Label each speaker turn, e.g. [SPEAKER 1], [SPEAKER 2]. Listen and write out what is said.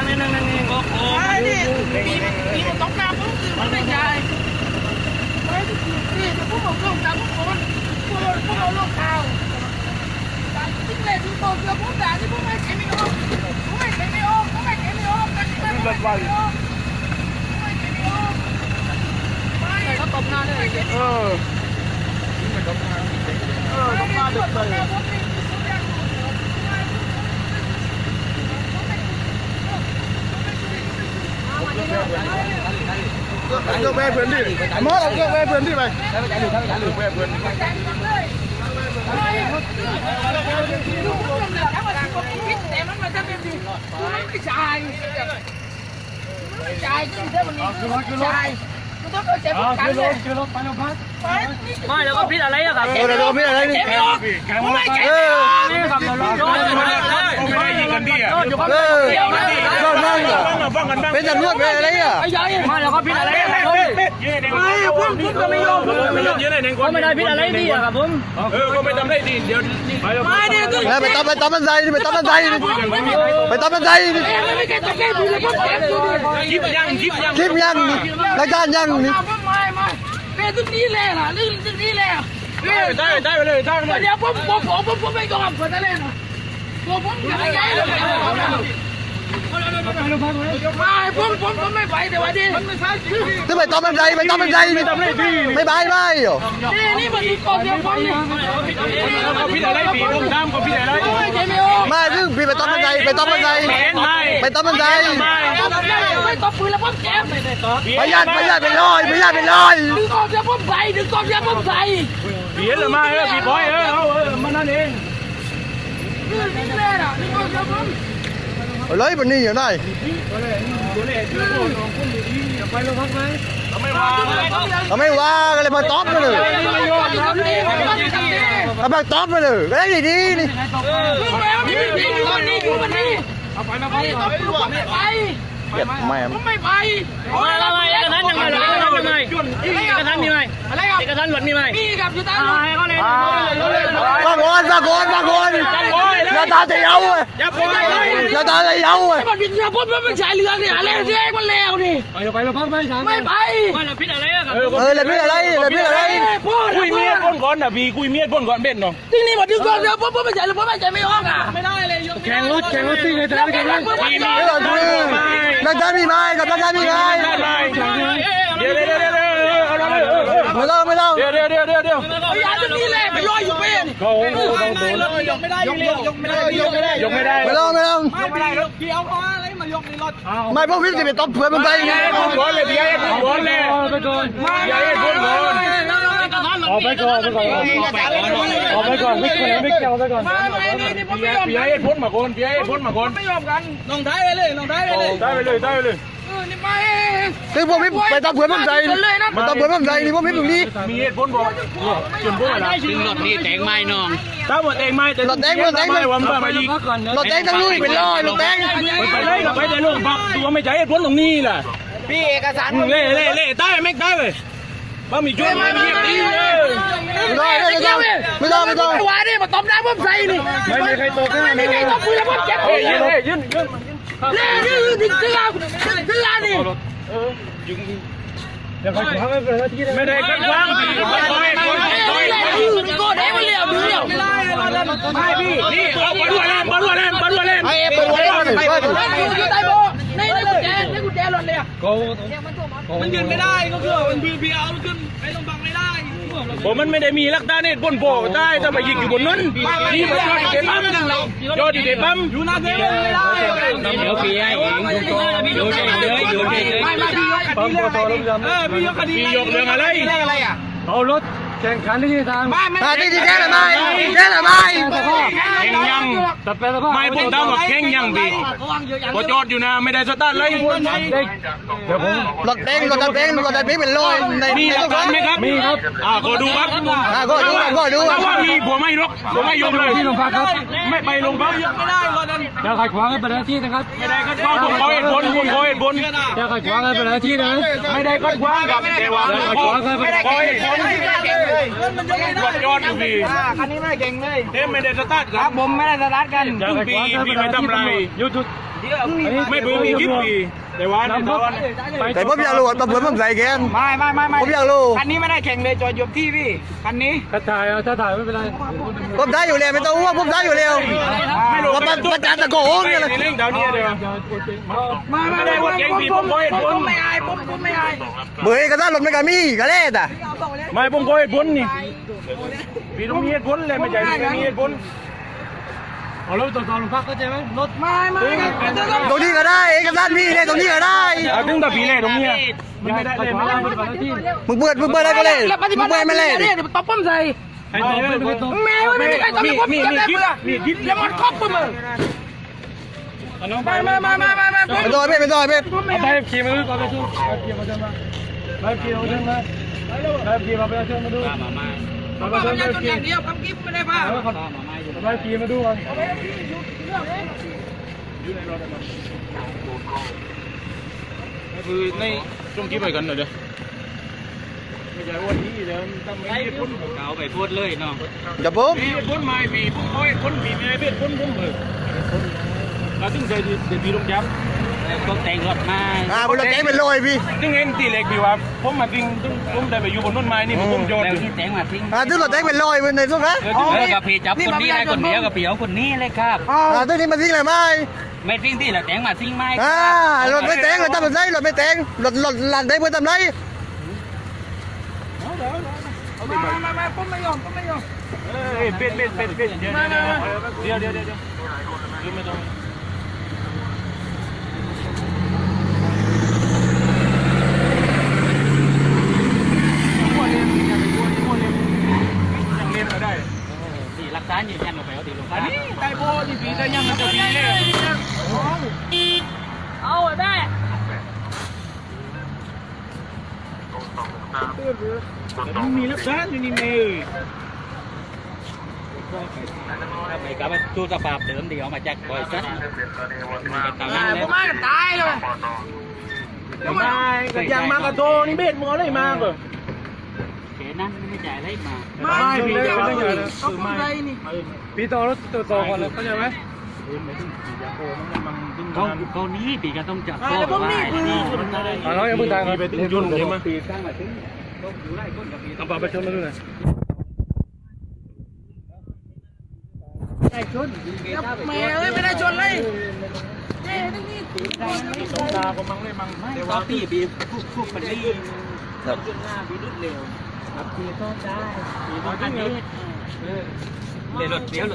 [SPEAKER 1] นั่งโอ้โหมีมันต้องน้ำปุ๊บมันไม่ใช่ไม่นี่จะพูดของโลกจากพวกคนพวกเราโลกข่าวที่เล่นที่โตเกียวพูดด่าที่พวกไม่เข็มไม่ออกพวกไม่เข็มไม่ออกพวกไม่เข็มไม่ออกกันที่ไม่เข็มไม่ออกไม่เข็มไม่ออกไม่เขาตบหน้าเลยตบหน้าดึกเลย
[SPEAKER 2] ก็แม่เพื่อนดิมอสเอาก็แม่เพื่อนดิไปแม่เพื่อน
[SPEAKER 1] แต่มันมาจะเป็นดีไม่จ่ายก็ได้วันนี้จ่ายมันต้องเจ็บกันเลยไม่แล้วก็พิษอะไรอะครับ
[SPEAKER 2] แล้วก็พิษอะไรนี่
[SPEAKER 1] ไม่ออกไม่เจ็บนี่ครับเรา
[SPEAKER 3] ไม่ได้ยิงกันดิอ่ะ
[SPEAKER 2] ก็นั่งเป็นตำรวจเป็นอะไรอ่ะ
[SPEAKER 1] ไม่แล้วก็พิษอะไรไม่ผมก็ไม่ยอมไม่ได้พิษอะไรดีอะครับผม
[SPEAKER 3] ก็ไม่ทำได้ดีเดี๋ยว
[SPEAKER 1] ไม่เนี่ย
[SPEAKER 2] แล้วไปตบมันใส่ไปตบมันใส่ไปตบมันใส่
[SPEAKER 3] ยิบ
[SPEAKER 2] ยังรายการยังนี่
[SPEAKER 1] ไม่เป็นตึกนี้แหละล่ะเรื่องตึกนี้แหละ
[SPEAKER 3] ได้ไปเลย
[SPEAKER 1] เดี๋ยวผมไม่ยอมคนนั้นเลยนะผมอยากให้เลยไม่ผมไม่ไปแต่ว่าดิ
[SPEAKER 2] จะไปตบมันใส่ไปตบมันใส่ไม่บายไม่หรอ
[SPEAKER 1] นี่มันกอบเดียวผมเนี่ย
[SPEAKER 3] พี่อะไรปีผมดำก็พี่อะไร
[SPEAKER 2] ไม่ซึ่งพี่ไปตบมันใส่ไปตบมันใส่ไปตบมันใส่
[SPEAKER 1] ไม่ตบปืนแล้วผมแก้
[SPEAKER 2] ประหยัดเป็นร้อยดึง
[SPEAKER 1] กอบเดียวผมใส่
[SPEAKER 3] เบียดเลยมาพี่บอยมันนั่นเอง
[SPEAKER 1] นี่แหละนะนี่กอบเดียวผม
[SPEAKER 2] เลยวันนี้อยู่ไหนไม่ว่าก็เลยมาตบไปเลยมาตบไปเลยก็ได้ดีนี่
[SPEAKER 1] ผมไม่ไป
[SPEAKER 3] อะไรเอกสารยังไงเอกสารมีไหม
[SPEAKER 1] อะไรครับ
[SPEAKER 3] เอกสารหลวดมีไหม
[SPEAKER 1] มีกับอยู่ตาม
[SPEAKER 2] บางคนหน้าตาจะเย้าเลยหน้าตาจะเย้าเลย
[SPEAKER 1] มันเป็นเรือพ่นมันใช้เรือเนี่ยอะไรเรือมันแล้วนี่
[SPEAKER 3] ไปเราพักไม่
[SPEAKER 1] ไป
[SPEAKER 3] เราพิษอะไรอะครับ
[SPEAKER 2] เราพิษอะไร
[SPEAKER 3] คุยเมียพ่นก่อนนะพี่คุยเมียพ่นก่อนเบ็ดเนาะ
[SPEAKER 1] ที่นี่มันดึงก่อนเรือพ่นไม่ใช่เรือพ่นไม่ใช่ไม่ออกอ่ะไม่ได้เลย
[SPEAKER 3] แข่งรถตีเลยแต่ไม่แข่งรถ
[SPEAKER 2] นักการมีไหมกับนักการมีไหม
[SPEAKER 3] เดี๋ยว
[SPEAKER 2] ไม่ต้อง
[SPEAKER 3] เดี๋ยว
[SPEAKER 1] อย่าจะนี่แหละไปลอยอยู่เป็น
[SPEAKER 3] เขายกไม่ได้
[SPEAKER 2] ไม่ต้อง
[SPEAKER 1] พี่เอาอะไรมายกในรถ
[SPEAKER 2] ไม่พวกพี่จะไปตบเพื่อนมันไป
[SPEAKER 3] พ่นก่อนเลยพี่พ่นก่อนเลยไปก่อนออกไปก่อนไม่เกี่ยวไปก่อนพี่ให้พ้นมาก่อน
[SPEAKER 1] ไม่ยอมกันลงท้ายไปเลย
[SPEAKER 3] ได้ไปเลย
[SPEAKER 1] นี่ไม่
[SPEAKER 2] ซึ่งพวกพี่ไปตบเพื่อนมันใจมาตบเพื่อนมันใจนี่พวกพี่ตรงนี้
[SPEAKER 3] มีเหตุผลบอกจนพวกอะไร
[SPEAKER 4] ถึงรถนี่แต่งไม้น้อง
[SPEAKER 3] ถ้าหมดเองไม่แต่
[SPEAKER 2] รถแดง
[SPEAKER 3] วันมายิง
[SPEAKER 2] รถแดงทั้งลุยเป็นร้อยรถแดง
[SPEAKER 3] ไปเลยไปแต่ลงพักตัวไม่ใจเหตุผลตรงนี้แหละ
[SPEAKER 1] พี่เอกสาร
[SPEAKER 3] เล่ได้ไม่ได้เลยบ้ามีช่วยไม่มีตีเลย
[SPEAKER 2] ไม่ต้อง
[SPEAKER 1] วาดิมาตบน้ำผมใส่นี่
[SPEAKER 3] ไม่มีใครตบ
[SPEAKER 1] ไม่มีใครตบปืนแล้วผมเจ็บ
[SPEAKER 3] ยืน
[SPEAKER 1] เล่ดึงลาดิ
[SPEAKER 3] ไม่ได้กันวางพี่
[SPEAKER 1] ก็ได้มาเลี้ยว
[SPEAKER 3] ไม่พี่นี่เอาบอลเล่น
[SPEAKER 2] ไอ้เปิด
[SPEAKER 1] อยู่ใต้โบในกุญแจรถเลยมันยืนไม่ได้ก็คือมันพี่เอาขึ้นไปลงบังไม่ได้
[SPEAKER 3] ผมมันไม่ได้มีลักษณะนี่บนโบกได้ถ้าไปยิงอยู่บนนั้นนี่มันยอดดีเดปั๊ม
[SPEAKER 1] อยู่หน้าเกมไม่ได้
[SPEAKER 4] เดี๋ยวพี่ให้เองอยู่เฉย
[SPEAKER 3] พี่ยกเรื่องอะไรเอารถแข่งขันที่ทาง
[SPEAKER 2] ที่แค่ไหนแข่ง
[SPEAKER 3] ยังไม่พูดตามว่าแข่งยังดีพอจอดอยู่นะไม่ได้สตาร์ทเลย
[SPEAKER 2] เดี๋ยวผมรถแดงเป็นร้อยใน
[SPEAKER 3] มีหลักฐานไหมครับมีครับก็ดูครับ
[SPEAKER 2] ก็ดู
[SPEAKER 3] ว่ามีผมไม่ยกเลย
[SPEAKER 4] ที่โรงพักครับ
[SPEAKER 3] ไม่ไปโรงพัก
[SPEAKER 1] ไม่ได้รถนั้น
[SPEAKER 4] เดี๋ยวขัดขวางให้เป็นหน้าที่นะครับ
[SPEAKER 3] ไม่ได้ขัดขวางผมขอเหตุผล
[SPEAKER 4] เดี๋ยวขัดขวางให้เป็นหน้าที่นะ
[SPEAKER 3] ไม่ได้ขัดขวางครับแต่ว่าขอเหตุผลยอดอยู่พี่
[SPEAKER 1] คันนี้ไม่เก่งเลย
[SPEAKER 3] ไม่ได้สตาร์ทครับ
[SPEAKER 1] ผมไม่ได้สตาร์ทกัน
[SPEAKER 3] พี่ไม่ทำไร
[SPEAKER 4] ยุด
[SPEAKER 3] ไม่เบื่อมีคิดปีแต่ว่าในตอน
[SPEAKER 2] แต่ผมอยากรู้ว่าตำรวจผมใส่แกน
[SPEAKER 1] ไม่
[SPEAKER 2] ผมอยากรู้
[SPEAKER 1] คันนี้ไม่ได้แข่งเลยจอดอยู่ที่พี่คันนี้
[SPEAKER 4] ถ้าถ่ายไม่เป็นไร
[SPEAKER 2] ผมได้อยู่แล้วไม่ต้องห่วงผมได้อยู่แล้ว
[SPEAKER 3] ไม่รู้
[SPEAKER 2] ว่ามันจานตะโกนเนี่ยเลย
[SPEAKER 3] ในเรื่องเดี๋ยวนี้เดี๋ยว
[SPEAKER 1] ไม่ได้ว่าเก่งพี่ผมไม่อายผมไม่อาย
[SPEAKER 2] เบื่อก็ได้รถไม่กมีก็เล่นอ่ะ
[SPEAKER 3] ไม่ผมก็เหตุผลนี่พี่ต้องมีเหตุผลเลยไม่ใช่ไม่มีเหตุผล
[SPEAKER 4] เอารถตรวจสอบโรงพักเข้าใจไหมรถ
[SPEAKER 1] ไม่
[SPEAKER 2] ตรงนี้ก็ได้เอกสารมีเลยตรงนี้ก็ได้
[SPEAKER 3] ถึงแต่ปีแรกตรงนี้มันไม่ได้
[SPEAKER 4] ขั
[SPEAKER 3] เล
[SPEAKER 4] ด
[SPEAKER 3] ย
[SPEAKER 4] ขวางปฏิบัติหน้าที่
[SPEAKER 2] มึงเปิดได้ก็เลยมึงเปิดไม่เล่น
[SPEAKER 1] เนี่ยตบป้อมใส่
[SPEAKER 4] ไอ้ตัวไม่ตรง
[SPEAKER 1] แม่ไม่ได้ตบป้อม
[SPEAKER 3] มีคลิปมีคลิป
[SPEAKER 1] แล้วมันครอบมึงไม่
[SPEAKER 2] เป็นตัวเป็นตัวเป็น
[SPEAKER 4] เอาไปขี่มาดูก่อนไปดูขี่มาเดินมาไปขี่มาเดินมาไปขี่มาประชาชนมาดูมาประชาชนไปขี่
[SPEAKER 1] เดียวคำกิ๊บไม่ได้ป่ะ
[SPEAKER 4] ไปขี่มาดูก่อน
[SPEAKER 3] คือในช่วงคลิปไปกันหน่อยเดี๋ยวไม่ใช่วันนี้เดี๋ยวทำไม่พ้น
[SPEAKER 4] เก่าไปพูดเลยเนาะ
[SPEAKER 2] อย่าผม
[SPEAKER 3] มีพ้นไม่ปีพ้นพ้นปีไม่เป็นพ้นพ้นเลยเราถึงใจดีลงย้ำ
[SPEAKER 4] ต้องแต่งรถมา
[SPEAKER 2] บนรถแก๊งเป็นลอยพี่
[SPEAKER 3] ถึงเอ็นตีเล็กพี่ว่าผมมาจริงผมได้ไปอยู่บนต้นไม้นี่ผมโยน
[SPEAKER 4] แล้วที่แต่งมาทิ้ง
[SPEAKER 2] ถึงรถแก๊งเป็นลอยในสุดนะ
[SPEAKER 4] แล้วก็พี่จับคนนี้ได้คนเดียวกับพี่เอาคนนี้เลยครับ
[SPEAKER 2] ตึ้งนี้มันทิ้งอะไรไหม
[SPEAKER 4] ไม่ทิ้งที่แล้วแต่งมาทิ้งไหม
[SPEAKER 2] รถไม่แต่งรถทำอะไรรถไม่แต่งรถหลังได้เพื่อทำไร
[SPEAKER 1] ไม่ผมไม่ยอม
[SPEAKER 3] เป็นเดี๋ยวไม่ต้องยังเล่นมาได้
[SPEAKER 4] ที่รักษายืนยันลงไปเอาตีลง
[SPEAKER 3] อันนี้ไก่โบนี่ปีได้ยังมันจะปีเลย
[SPEAKER 1] เอาได้
[SPEAKER 3] มีรักษาอยู่นี่เมย์
[SPEAKER 4] ไปกับตู้สภาพเดิมเดียวมาจากบริษัทตาม
[SPEAKER 1] ผ
[SPEAKER 4] นั้น
[SPEAKER 1] มมากันตายเลย
[SPEAKER 3] ไม่ก็ยังมากระโดนี่เบ็ดมัวเลยมากเลย
[SPEAKER 4] เขนั้นไม่จ่ายอะไรมา
[SPEAKER 3] ไม่พี่จะไม่เยอะ
[SPEAKER 1] ต้องพูดอะไรนี่
[SPEAKER 4] พี่ต่อรถตรวจสอบก่อนเลยเข้าใจไหม เขานี้ปีก็ต้องจับ
[SPEAKER 1] แล้วผมนี่คือ
[SPEAKER 4] เราอย่าเพิ่งทาง
[SPEAKER 3] ไปถึงยุ่นใช่ไหม
[SPEAKER 4] ปีสร้างมาถึงอยู่ไล่ก้นกับปี
[SPEAKER 3] เอาปากไปชนมาด้วย
[SPEAKER 1] แม่เอ้ยไม่ได้ชนเลย
[SPEAKER 3] ต้องตาก็มั่งเลยมั่ง
[SPEAKER 4] ไม่ก็ปีพวกปรีจุดหน้าปีรุดเร็วปีก็ได้ปีต้องอันนี้เลยรถเดียว